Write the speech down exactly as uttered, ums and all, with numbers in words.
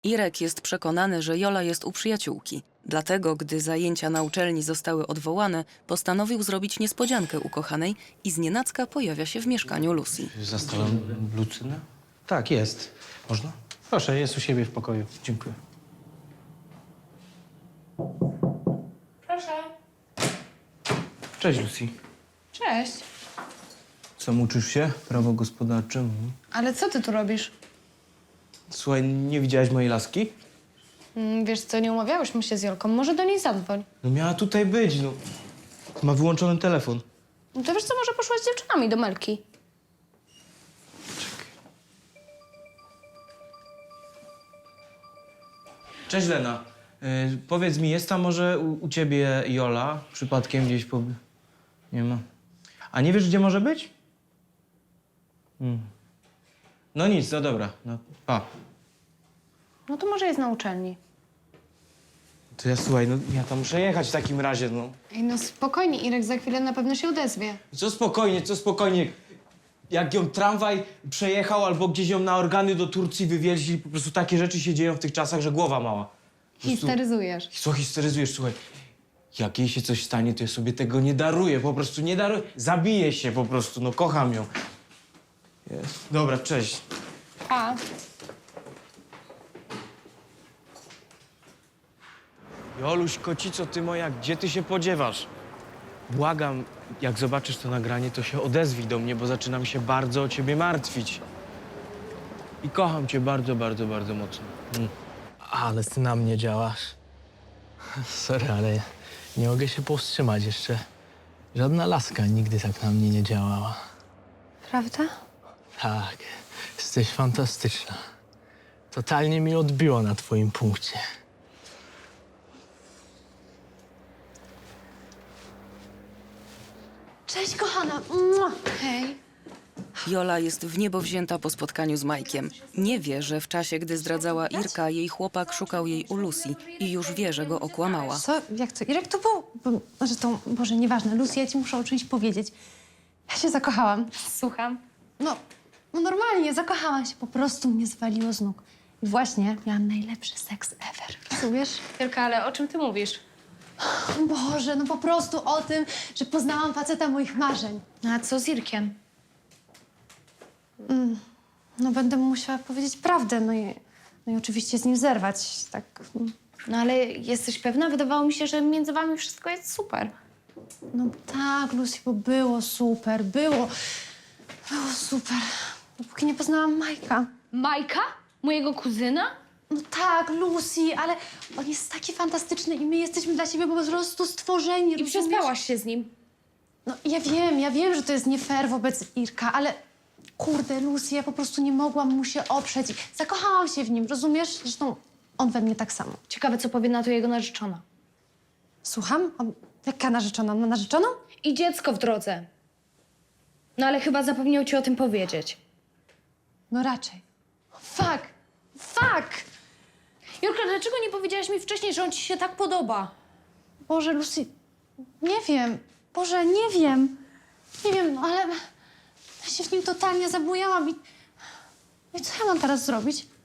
Irek jest przekonany, że Jola jest u przyjaciółki. Dlatego, gdy zajęcia na uczelni zostały odwołane, postanowił zrobić niespodziankę ukochanej i znienacka pojawia się w mieszkaniu Lucy. Zastałem Lucynę? Tak, jest. Można? Proszę, jest u siebie w pokoju. Dziękuję. Proszę. Cześć, Lucy. Cześć. Co, uczysz się? Prawo gospodarcze? Mhm. Ale co ty tu robisz? Słuchaj, nie widziałaś mojej laski? Mm, wiesz co, nie umawiałyśmy się z Jolką. Może do niej zadzwoń. No miała tutaj być, no. Ma wyłączony telefon. No to wiesz co, może poszłaś z dziewczynami do Melki. Cześć, Lena. Yy, powiedz mi, jest tam może u, u ciebie Jola? Przypadkiem gdzieś po... Nie ma. A nie wiesz, gdzie może być? Hmm. No nic, no dobra. No, pa. No to może jest na uczelni. To ja, słuchaj, no ja tam muszę jechać w takim razie, no. Ej, no spokojnie, Irek za chwilę na pewno się odezwie. Co spokojnie, co spokojnie. Jak ją tramwaj przejechał albo gdzieś ją na organy do Turcji wywieźli, po prostu takie rzeczy się dzieją w tych czasach, że głowa mała. Po prostu- Histeryzujesz. Co histeryzujesz, słuchaj. Jak jej się coś stanie, to ja sobie tego nie daruję, po prostu nie daruję. Zabiję się po prostu, no kocham ją. Jest. Dobra, cześć. Pa. Joluś, kocico, ty moja, gdzie ty się podziewasz? Błagam, jak zobaczysz to nagranie, to się odezwij do mnie, bo zaczynam się bardzo o ciebie martwić. I kocham cię bardzo, bardzo, bardzo mocno. Mm. Ale ty na mnie działasz. Sorry, ale nie mogę się powstrzymać jeszcze. Żadna laska nigdy tak na mnie nie działała. Prawda? Tak, jesteś fantastyczna. Totalnie mi odbiło na twoim punkcie. Cześć, kochana. Mua. Hej. Jola jest w niebo wzięta po spotkaniu z Majkiem. Nie wie, że w czasie, gdy zdradzała Irka, jej chłopak szukał jej u Lucy i już wie, że go okłamała. Co? Jak to? Irek to był... Bo, może to... Boże, nieważne. Lucy, ja ci muszę o czymś powiedzieć. Ja się zakochałam. Słucham. No, no normalnie, zakochałam się. Po prostu mnie zwaliło z nóg. I właśnie miałam najlepszy seks ever. Rozumiesz? Jolka, ale o czym ty mówisz? Boże, no po prostu o tym, że poznałam faceta moich marzeń. No a co z Irkiem? No będę musiała powiedzieć prawdę, no i, no i oczywiście z nim zerwać, tak... No ale jesteś pewna? Wydawało mi się, że między wami wszystko jest super. No tak, Lucy, bo było super, było... Było super. Dopóki nie poznałam Majka. Majka? Mojego kuzyna? No tak, Lucy, ale on jest taki fantastyczny i my jesteśmy dla siebie po prostu stworzeni, I rozumiesz? przespałaś się z nim. No ja wiem, ja wiem, że to jest nie fair wobec Irka, ale kurde, Lucy, ja po prostu nie mogłam mu się oprzeć. i Zakochałam się w nim, rozumiesz? Zresztą on we mnie tak samo. Ciekawe, co powie na to jego narzeczona. Słucham? A jaka narzeczona? Ma narzeczoną? I dziecko w drodze. No ale chyba zapomniał ci o tym powiedzieć. No raczej. Fuck! Fuck! Jolka, dlaczego nie powiedziałaś mi wcześniej, że on ci się tak podoba? Boże, Lucy, nie wiem. Boże, nie wiem. Nie wiem, no ale ja się w nim totalnie zabujałam i... I co ja mam teraz zrobić?